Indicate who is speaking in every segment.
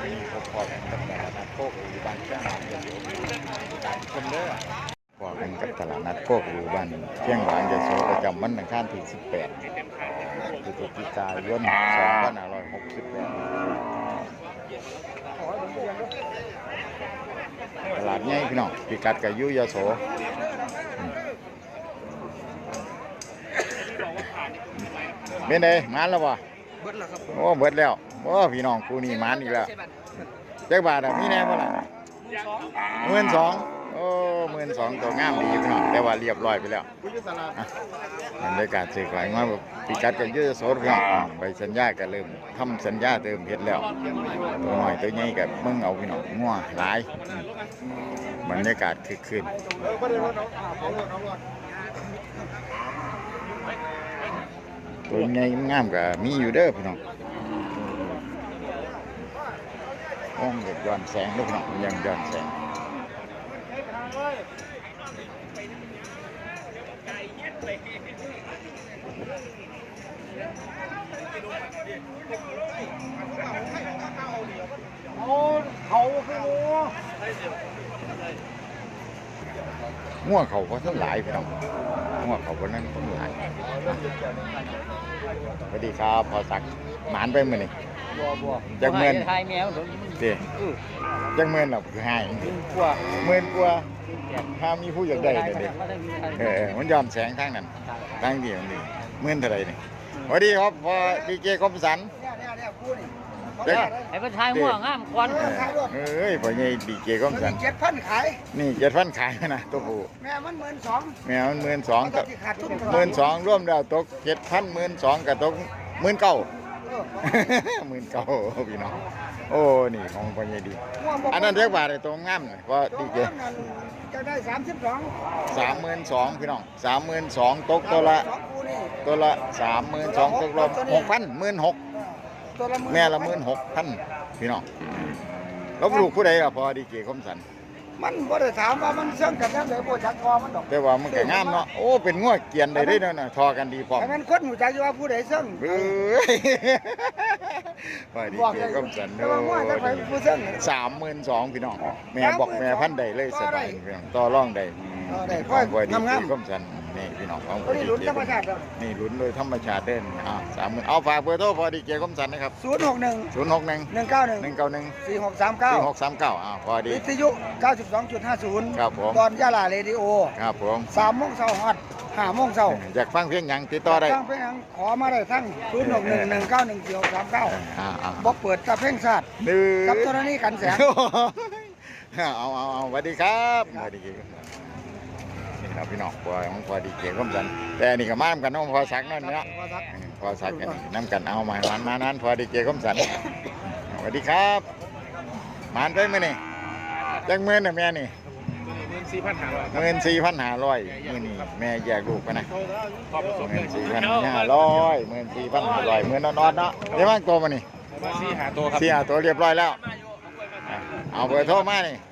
Speaker 1: พอกันกับตลาดนัดโคกอยู่บ้านเชียงหวานจะอยู่ต่างคนเด้อพอกันกับตลาดนัดโคกอยู่บ้านเชียงหวานจะโซประจำวันอังคารที่18 พฤศจิกายน 2568ตลาดใหญ่พี่น้องพิกัดกับยุยโสเป็นไงมานแล้ววะเบิดแล้วครับโอ้เบิดแล้วโอ้พี่น้องกูนี่มานอีกแล้วเจ๊บาทมีแน่บ่ล่ะ12,000โอ้12,000ตัวงามดีพี่น้องแต่ว่าเรียบร้อยไปแล้วบรรยากาศซื้อขายมาพิกัดกับยุยโสพี่น้องใบสัญญาก็เริ่มทำสัญญาเติมเฮ็ดแล้วตัวน้อยตัวใหญ่กับมึงเอาพี่น้องงัวหลายบรรยากาศคึกคืนตัวใหญ่งามกับมีอยู่เด้อพี่น้องห้องเด็กย้อนแสงด้วยพี่น้องยังย้อนแสงงัวเขาก็ทั้งหลายพี่น้องงัวเขาก็นั่นทั้งหลายสวัสดีครับพอสักหมานไปมื้อนี่จักเงินเด้จักเงินหรอคือให้10,000 กว่าถ้ามีผู้อยากได้เลยดิมันย้อนแสงทางนั้นทางเดียวนี่10,000เท่าไหร่นี่สวัสดีครับพอดีเจคมสัน
Speaker 2: ไอ้เป็นชายม่วงงามควัน
Speaker 1: เอ้ยพอใหญ่ดีเจคมสัน
Speaker 3: 7,000ขาย
Speaker 1: นี่7,000ขายนะตัวผู้
Speaker 3: แม่มัน12,000
Speaker 1: แม่มัน12,000กับ12,000รวมแล้วตก7,000 12,000กับตก19,000 19,000พี่น้องโอ้นี่ของพอใหญ่ดีอันนั้นเรียกว่าอะไรตัวงามหน่อยพอดีเจ
Speaker 3: จะได้
Speaker 1: 32,000พี่น้อง32,000ตกตัวละ32,000ตกรวม6,000 16,000แม่ละ16,000พี่น้องแล้วลูกผู้ใดล่ะพอดีเจคมสัน
Speaker 3: มันบ่ได้ถามว่ามันเสื่อมกันแล้วเลยบ่จักคอมันดอก
Speaker 1: แต่ว่ามันก็งามเนาะโอ้เป็นงัวเกียนได้เนาะทอกันดีพร้อม
Speaker 3: แต่มันคนหูจักอยู่ว่าผู้ใดเสื่อม
Speaker 1: พอดีเจคมสัน32,000พี่น้องแม่บอกแม่พันใดเลยสบายพี่น้องต่อรองได้พอดีเจคมสันนี่พี่น้องของพอดีเจคมสันนี่ลุ้นโดยธรรมชาติเด่น30,000เอาฝากเบอร์โทรพอดีเจคมสันนะครับ
Speaker 3: 061 191 4639
Speaker 1: พอดี
Speaker 3: วิทยุ 92.50
Speaker 1: ครับผม
Speaker 3: ตอนยะลาเรดิโอ
Speaker 1: ครับผม
Speaker 3: 3 โมงเช้าฮอด 5 โมงเช้า
Speaker 1: อยากฟังเพลงหยังติดต่อได้
Speaker 3: ฟังเพลงหยังขอมาได้ทั้ง061 191 4639บ่เปิดกับเพลงชาติกับธรณีกันแสง
Speaker 1: เอาสวัสดีครับสวัสดีนี่ครับพี่น้องพอดีเจคมสันแต่นี่ก็มาทำกันน้องพอสักนั่นเนาะพอสักกันน้ำกันเอามานั้นพอดีเจคมสันสวัสดีครับมานไปไหมนี่จังเมื่อน่ะแม่นี่14,500มื้อนี้แม่แยกลูกไปนะ14,500มื้อนอนๆเนาะเดี๋ยวว่างตัวมานี่
Speaker 2: 4-5 ตัวครับ
Speaker 1: 4-5 ตัวเรียบร้อยแล้วเอาเบอร์โทรมานี่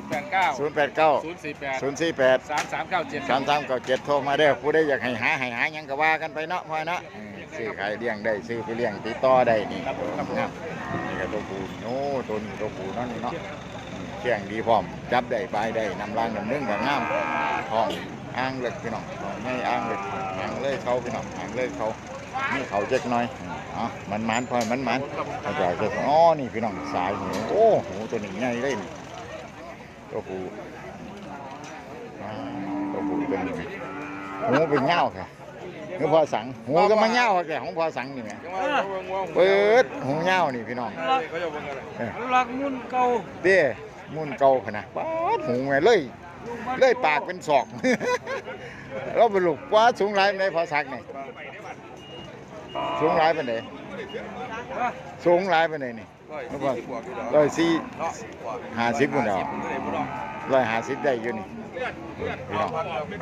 Speaker 1: 089 048 3397โทรมาเด้อผู้ใดอยากให้หาหยังก็ว่ากันไปเนาะพ่อเนาะซื้อขายเลี้ยงได้ซื้อไปเลี้ยงติดต่อได้นี่ครับนี่ก็ตัวปูโอ้ตัวนี้ตัวปูนั่นนี่เนาะเชียงดีพร้อมจับได้ปลายได้นำรางนำนึ่งกับงามพร้อมอ่างเล็กพี่น้องไม่อ่างเล็กอ่างเลยเขาพี่น้องอ่างเลยเขานี่เขาเจ๊กน้อยมันพอมันอาจจะอ๋อนี่พี่น้องสายหูโอ้โหตัวนี้ใหญ่เลยนี่ตัวปูเป็นหูเป็นเงาค่ะคือพอสังหูก็มาเงาแก่ของพอสังนี่ไงเปิดหูเงานี่พี่น้อง
Speaker 2: รักมุ่นเก่า
Speaker 1: เด้มุ่นเก่าขนาดป๊าดหูไงเลยปากเป็นศอกเราไปลูกว่าสูงไรเป็นไงพอสักนี่สูงไรเป็นไงสูงไรเป็นไงนี่150คนเดียว150ได้อยู่นี่พี่น้อง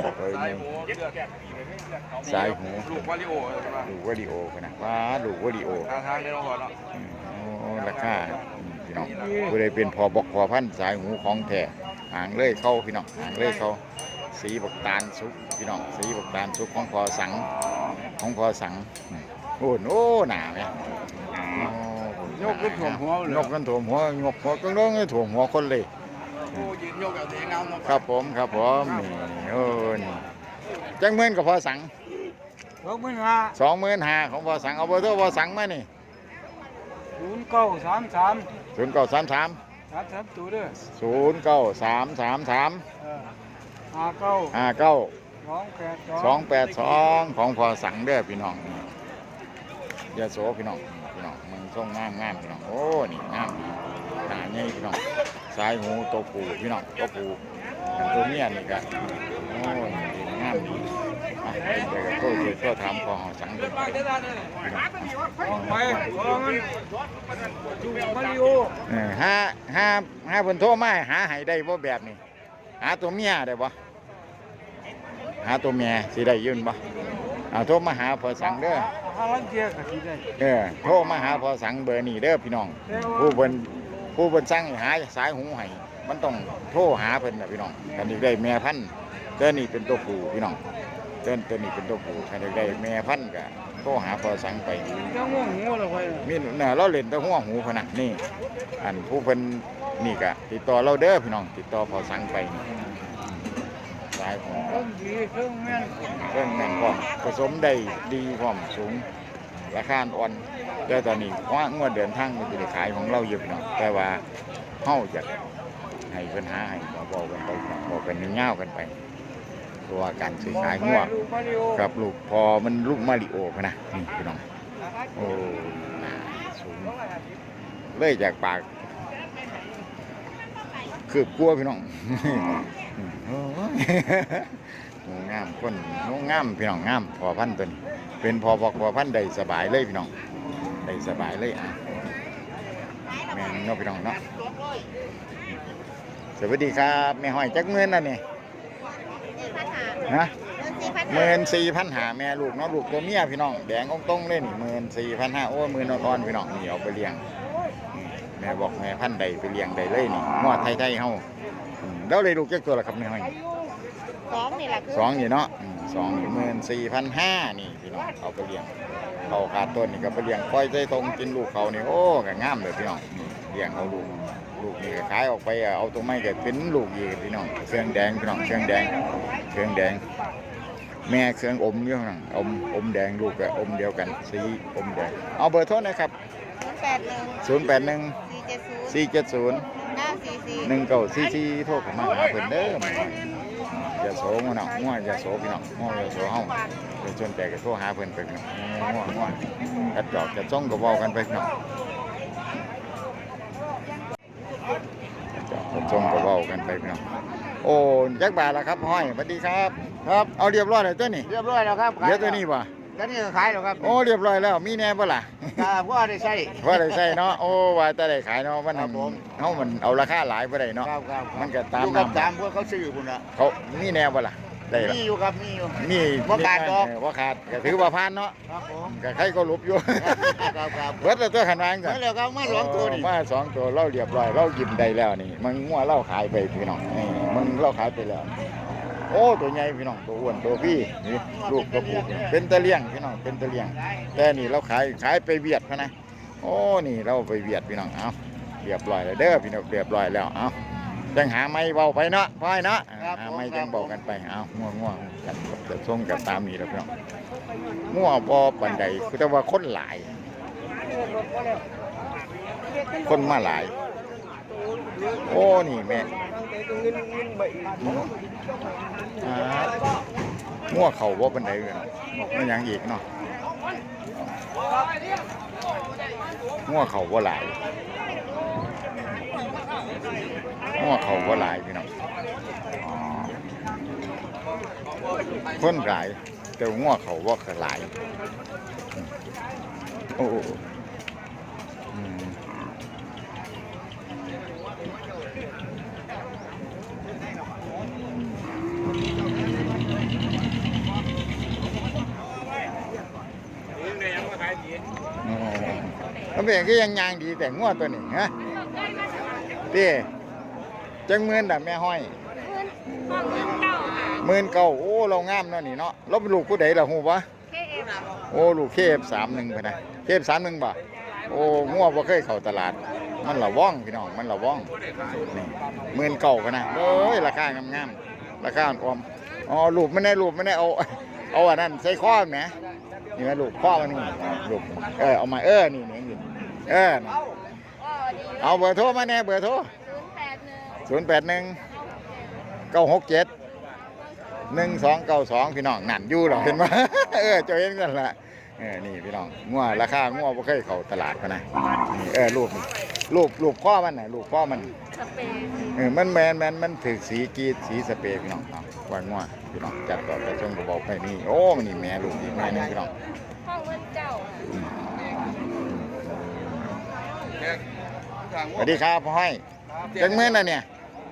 Speaker 1: สายหู
Speaker 2: ลูกวา
Speaker 1: ริโอนะว่าลูกวาริโอ
Speaker 2: ทางในโรงพยาบาล
Speaker 1: ราคาพี่น้องผู้ใดเป็นพอบอกพอพันสายหูของแท้หางเลยเข้าพี่น้องหางเลยเข้าสีบักตาลสุกพี่น้องสีบักตาลสุกของพอสังโอ้หนาไหม
Speaker 3: ยกขึ้นถ่วมหัวเลย
Speaker 1: ยกกันถ่วมหัวยกหัวก็ต้องถ่วมหัวคนเลย
Speaker 3: โอ้ยืนยกเอาเสียงเอาเนาะ
Speaker 1: ครับผมครับผมนี่นี่จังเงินกับพอสัง 25,000ของพอสังเอาเบอร์โทรพอสังมานี่
Speaker 3: 0933
Speaker 1: 0933
Speaker 3: 33ตัวเด้อ
Speaker 1: 09333
Speaker 3: 59
Speaker 1: 59
Speaker 3: 282
Speaker 1: 282ของพอสังเด้อพี่น้องยาโสพี่น้องมึงส่งงามพี่น้องโอ้นี่งามดีหน้าใหญ่พี่น้องสายหูตัวปูพี่น้องตัวปูตัวเมียนี่ก็โอ้ยงามดีอ่ะเดี๋ยวก็โทรถามพอสังเด้อพี่น้อง
Speaker 3: ไปพอมันจูมาริโอ
Speaker 1: ห้าเพิ่นโทรมาหาให้ได้บ่แบบนี้หาตัวเมียได้บ่หาตัวเมียสิได้ยืนบ่เอาโทรมาหาพอสังเด้อ
Speaker 3: หาลังเกียก็สิได้
Speaker 1: โทรมาหาพอสังเบอร์นี้เด้อพี่น้องผู้เพิ่นสั่งให้หาสายหูให้มันต้องโทรหาเพิ่นน่ะพี่น้องกันอีกได้แม่พันธุ์เด้อนี่เป็นตัวผู้พี่น้องตัวนี้เป็นตัวผู้คันอีกได้แม่พันธุ์ก็โทรหาพอสังไป
Speaker 3: จังง่วงหัวแล้วไว้
Speaker 1: มีน่ะเราเล่นแตะหัวหูพะนะนี่อันผู้เพิ่นนี่ก็ติดต่อเราเด้อพี่น้องติดต่อพอสั่งไปนี่สายของ
Speaker 3: เครื่องดีเครื่องแม่น
Speaker 1: เครื่องแน่นพร้อมผสมได้ดีพร้อมสูงราคาอ่อนแต่ตอนนี้ว่างวดเดินทางมันจะได้ขายของเราเยอะพี่น้องแต่ว่าเฮาจะให้เพิ่นหาให้บอกกันไปบอกกันยาวๆกันไปตัวการซื้อขายงัว
Speaker 3: ลูกมาริโอ
Speaker 1: กับลูกพอมันลูกมาริโอพะนะนี่พี่น้องโอ้หน้าสูงเลยจากปากคืบกลัวพี่น้อง โอ้ยงามคนงามพี่น้องงามพอพันธุ์ตัวนี้เป็นพอพันธุ์ได้สบายเลยพี่น้องได้สบายเลยอ่ะแม่นเนาะพี่น้องเนาะสวัสดีครับแม่ห้อยจักเงินน่ะนี่นะ 14,500แม่ลูกเนาะลูกตัวเมียพี่น้องแดงตรงๆเลยนี่14,500โอ้มือนอ่อนๆพี่น้องนี่เอาไปเลี้ยงแม่บอกแม่พันธุ์ใดไปเลี้ยงได้เลยนี่งอไทยๆเฮาแล้วเลยลูกจักตัวละครับแม่ห้อย
Speaker 4: 2นี่แหละคือ
Speaker 1: 2นี่เนาะ24,500นี่พี่น้องเอาไปเลี้ยงเขาขาดต้นนี่ก็ไปเลี้ยงปล่อยใจตรงกินลูกเขานี่โอ้ก็งามเลยพี่น้องนี่เลี้ยงเอาลูกนี่ก็ขายออกไปเอาตัวไม่ก็เป็นลูกอีกพี่น้องเครื่องแดงพี่น้องเครื่องแดงแม่เครื่องอมอยู่ข้างหลังอมแดงลูกก็อมเดียวกันสีอมแดงเอาเบอร์โทรนะครับ081 470 1944โทรเข้ามาหาเพิ่นเด้ออย่าโสงเนาะง่วอย่าโสพี่น้องง่วอย่าโสเฮาเป็นชวนแต่ก็โทรหาเพิ่นไปพี่น้องง่วกระจอกกระจ้องก็เว้ากันไปพี่น้องกระจอกกระจ้องก็เว้ากันไปพี่น้องโอ้จักบาทละครับห้อยสวัสดีครับครับเอาเรียบร้อยแล้วตัวนี้
Speaker 3: เรียบร้อยแล้วครับ
Speaker 1: เดี๋ยวตัวนี้บ่
Speaker 3: ก็นี่ก็ขายแล้วครับ
Speaker 1: โอ้เรียบร้อยแล้วมีแน่บ่ล่ะ
Speaker 3: ว่าได้ใช้
Speaker 1: ว่าได้ใช่เนาะโอ้ว่าแต่ได้ขายเนาะมันเฮามันเอาราคาหลายบ่ได้เนาะ
Speaker 3: ครับ
Speaker 1: มันก็ตาม
Speaker 3: กับ
Speaker 1: น้ำ
Speaker 3: ตามพวกเขาซื้อพุ่นน่ะ
Speaker 1: เขามีแนวบ่ล่ะได้ล่ะ
Speaker 3: มีอยู่ครับมีอยู่
Speaker 1: มี
Speaker 3: บ่ขาดดอก
Speaker 1: บ่ขาดก็ถือว่าผ่านเนาะ
Speaker 3: ครับผม
Speaker 1: ก็ใครก็หลบอยู่
Speaker 3: ครับ
Speaker 1: เบิดแล้วตัวขันวาง
Speaker 3: เมื่อแล้วครับมาสองตัวนี่
Speaker 1: มาสองตัวเราเรียบร้อยเรากินได้แล้วนี่มันงัวเราขายไปพี่น้องนี่มันเราขายไปแล้วโอ้ตัวใหญ่พี่น้องตัวอ้วนตัวพี่นี่ลูกตัวผู้เป็นตะเลียงพี่น้องเป็นตะเลียงแต่นี่เราขายไปเวียดพะนะโอ้นี่เราไปเวียดพี่น้องเอาเรียบร้อยแล้วเด้อพี่น้องเรียบร้อยแล้วเอาจังหาไม้เบาไปเนาะพ่อยเนาะหาไม้จังเบากันไปเอาง่วงกันจะส่งกับตามนี้แล้วพี่น้องง่วงพอปันใดคือแต่ว่าคนหลาย คนมาหลาย โอ้นี่แม่งัวเขาว่าปันใดกันไม่ยังอีกเนาะงัวเขาว่าหลายงัวเขาว่าหลายพี่น้องคนหลายแต่งัวเขาว่าหลายโอ้แล้วเป็นก็ยังยางดีแต่งัวตัวนี้ฮะเต้จังเมือนดับแม่ห้อย19,000โอ้เรางามเนาะนี่เนาะเราเป็นลูกผู้ใดล่ะฮู้ปะโอ้ลูกKF31ไปนะKF31บ่โอ้งัวบ่เคยเข้าตลาดมันละว่องพี่น้องมันละว่องนี่19,000กันนะเอ้ยราคางามๆราคาอ่อนๆอ๋อรูปไม่ได้เอาอันนั้นใส่ข้อแหมนี่นะรูปข้อมันนี่รูปเอามานี่นี่เอาเบอร์โทรมาแน่เบอร์โทร081 967 1292พี่น้องนั่นอยู่หรอเห็นไหมเจ้าเห็นกันละนี่พี่น้องงัวราคางัวบ่เคยเข้าตลาดกันนะนี่รูปข้อมันน่ะรูปข้อมันมันมันถือสีกีดสีสเปรย์พี่น้องว่างัวพี่น้องจัดต่อแต่ช่วงบอกไปนี่โอ้นี่แม่ลูกอีกแม่นึงพี่น้อง
Speaker 4: ห้องเงินเจ้า
Speaker 1: สวัสดีครับพ่อให้จังเมื่อน่ะเนี่ย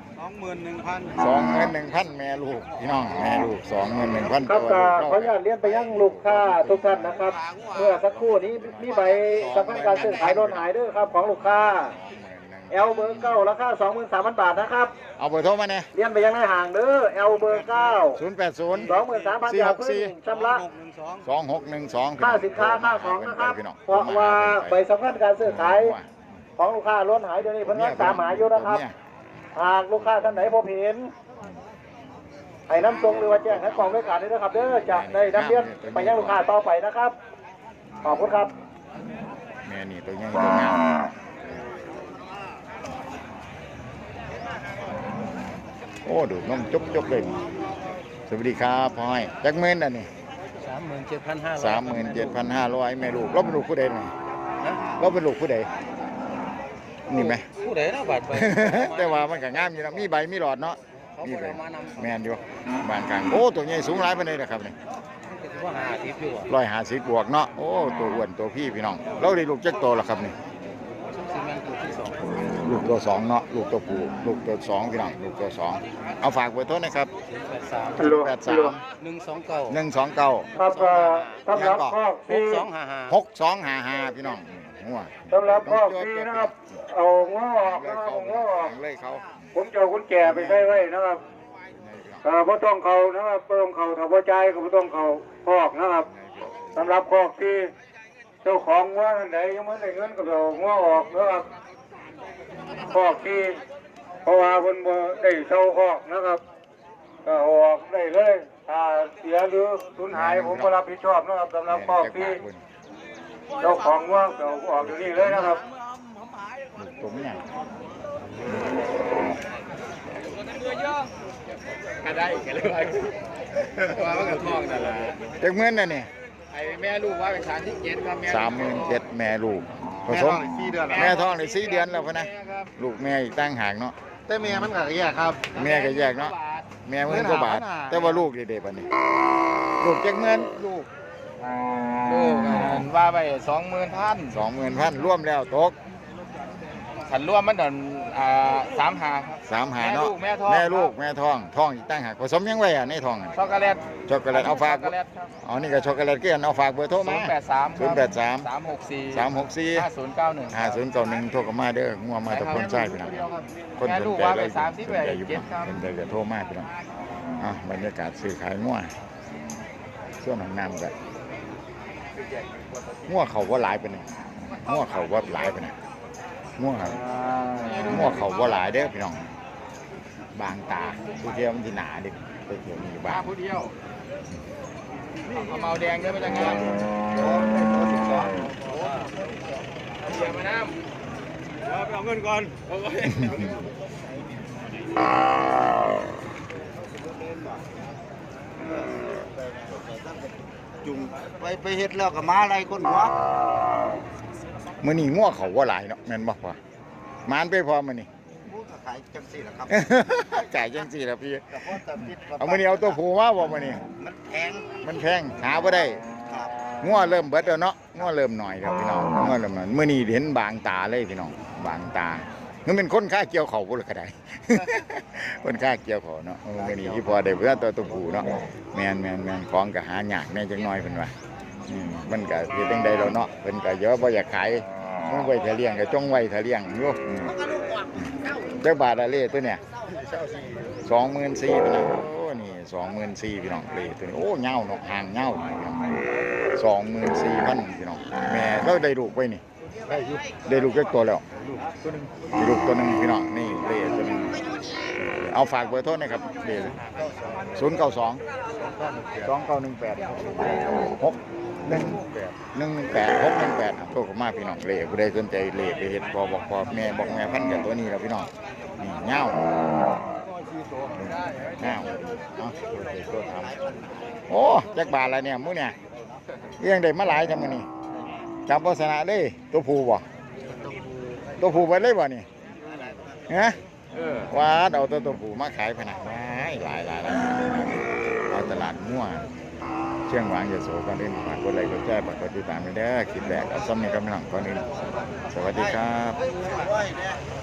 Speaker 1: 21,000แม่ลูกพี่น้องแม่ลูก21,000
Speaker 5: ครับขออนุญาตเรียนไปยังลูกค้าทุกท่านนะครับ เมื่อสักครู่นี้มีใบสำคัญการซื้อขายรถหายด้วยครับของลูกค้าเบอร์9ราคา 23,000 บาทนะครับ
Speaker 1: เอาเบอร์โทรมาเนี่ย
Speaker 5: เรียนไปยังในห่างเด้อเบอร์9
Speaker 1: 080
Speaker 5: 23,000 บาทเพื่อชำระ
Speaker 1: 2612
Speaker 5: ค่าสินค้าค่าของนะครับเพราะว่าใบสำคัญการซื้อขายของลูกค้ารถหายเดี๋ยวนี้เพิ่นตามหาอยู่นะครับหากลูกค้าท่านไหนพบเห็นให้น้ำทรงหรือว่าแจ้งให้กองด้วยกันด้วยนะครับเด้อจะได้นำเรียนไปยังลูกค้าต่อไปนะครับขอบคุณครับ
Speaker 1: แม่นี่ตัวใหญ่ตัวงามโอ้ดูน้องจบเลยสวัสดีครับพ่อยจักเมื่นอันนี้37,500แม่ลูกเราเป็นลูกผู้ใดนี่เราเป็นลูกผู้ใดนี่ไหม
Speaker 2: ผู้ใดนะบาดไป
Speaker 1: แต่ว่ามันก็งามอยู่นะมีใบมีหลอดเนาะมีใบแมนอยู่บ้านกลางโอ้ตัวใหญ่สูงหลายปานใดนะครับนี่150บวกเนาะโอ้ตัวอ้วนตัวพี่น้องเราได้ลูกจักโตแล้วครับนี่ลูกตัว2เนาะลูกตัวผู้ลูกตัว2พี่น้องลูกตัว2เอาฝากเบอร์โทรนะครับ129
Speaker 5: ครับสำหรับข้อ
Speaker 1: 6255พี่น้องงัว
Speaker 5: สำหรับข้อที่นะครับเอาง้อออก
Speaker 1: เลยเขา
Speaker 5: ผมจะเอาคุณแก่ไปใช้ไว้นะครับเพราะต้องเขานะครับต้องเขาถ้าพอใจก็ต้องเขาคอกนะครับสำหรับคอกที่เจ้าของง้อท่านใดยังไม่ได้เงินก็เอาง้อออกนะครับคอกที่เพราะว่าคนบ่ได้เช่าคอกนะครับก็ออกได้เลยถ้าเสียหรือสูญหายผมก็รับผิดชอบนะครับสำหรับคอกที่เจ้าของว่างเจ้าออกอยู่นี่เลยนะครับ
Speaker 1: ผมเนี่ย
Speaker 2: ก็ได้กันเลยว่ามันก็ท้องนั่นแหละ
Speaker 1: จักเมื่นน่ะนี่
Speaker 2: ไอ้แม่ลูกว่าเป็น37ครับ
Speaker 1: 37,000แม่ลูกผสมแม่ท้องได้4 เดือนแล้วพุ่นนะลูกแม่อีกตั้งห่างเนาะ
Speaker 2: แต่แม่มันก็แยกครับ
Speaker 1: แม่ก็แยกเนาะแม่10,000 กว่าบาทแต่ว่าลูกเด็ดๆปานนี้ลูกจักเมื่นลูก
Speaker 2: ว่าไป20,000
Speaker 1: รวมแล้วตก
Speaker 2: ขันรวมมันโดน3 หาครับ
Speaker 1: 3 หาเนาะแม่ลูกแม่ท้องอีกตั้งหากผสมยังไว้ในท้อง
Speaker 2: ช็อกโกแลต
Speaker 1: เอาฝากอ๋อนี่ก็ช็อกโกแลตเกลือเอาฝากเบอร์โทรมา083 364 5091โทรเข้ามาเด้องัวมาตะพนใช่พี่น้องคนสนใจเลยเป็นใจจะโทรมาพี่น้องบรรยากาศซื้อขายงัวส่วนของน้ำกันงัวเขาว่าหลายไปหนึ่งงัวเขาว่าหลายไปหนึ่งงัวเขาว่าหลายเด้อพี่น้องบางตาผู้เที่ยวมันที่หนาดิไปเที่ยวมีบาง
Speaker 2: ผู้เที่ยวเอาเมาแดงเด้อมาจากงานเดี๋ยวมาน้ำไปเอาเงินก่อน
Speaker 3: จุ่มไปเฮ็ดแล้วก็มาอะไรคนหัว
Speaker 1: มื้อนี้งัวเขาว่าหลายเนาะแม่นบ่พ่อมานไปพอมื้อนี้
Speaker 3: ขายจังซี่ล่ะครับ
Speaker 1: ขายจังซี่ล่ะพี่เอามื้อนี้เอาตัวผู้มาบ่มื้อนี้มันแพงหาบ่ได้งัวเริ่มเบิดแล้วเนาะงัวเริ่มหน่อยแล้วพี่น้องงัวเริ่มหน่อยมื้อนี้เห็นบางตาเลยพี่น้องบางตามันเป็นคนค่าเกี่ยวเขาบ่ล่ะก็ได้คนค่าเกี่ยวเขาเนาะมื้อนี้ที่พอได้เพื่อตัวผู้เนาะแม่นของก็หายากแน่จังน้อยเพิ่นว่ามันก็เฮ็ดจังได๋แล้วเนาะเพิ่นก็เยอะบ่อยากขายมันไว้ถ้าเลี้ยงก็จงไว้ถ้าเลี้ยงอยู่จักบาทละเลตัวเนี่ย24,000นะโอ้นี่24,000พี่น้องเลตัวนี้โอ้เหย้าเนาะหางเหย้าพี่น้อง24,000พี่น้องแม่เราได้ลูกไว้นี่ได้ลูกเล็กตัวแล้วมีลูกตัวหนึ่งพี่น้องนี่เล่ตัวหนึ่งเอาฝากเบอร์โทรหนะครับเล่092-2918-618-618โทรเข้ามาพี่น้องเล่ผู้ใดสนใจเล่ไปเฮ็ดบอกแม่พันกับตัวนี้แล้วพี่น้องนี่เงาตัวทำโอ้จักบาทอะไรเนี่ยมื้อเนี่ยเรื่องได้มาหลายจังมื้อนี้จับโฆษณาเลยตัวผู้บ่ตัวผู้ไปเลยบ่นี่ฮะว่าเอาตัวผู้มาขายพนักหลายเอาตลาดมั่วเชียงหวางยโสก่อนอื่นฝากกดไลค์กดแชร์ฝากกดติดตามไปเด้อคลิปแรกเอาซ้ำนี่กับพี่น้องก่อนอื่นสวัสดีครับ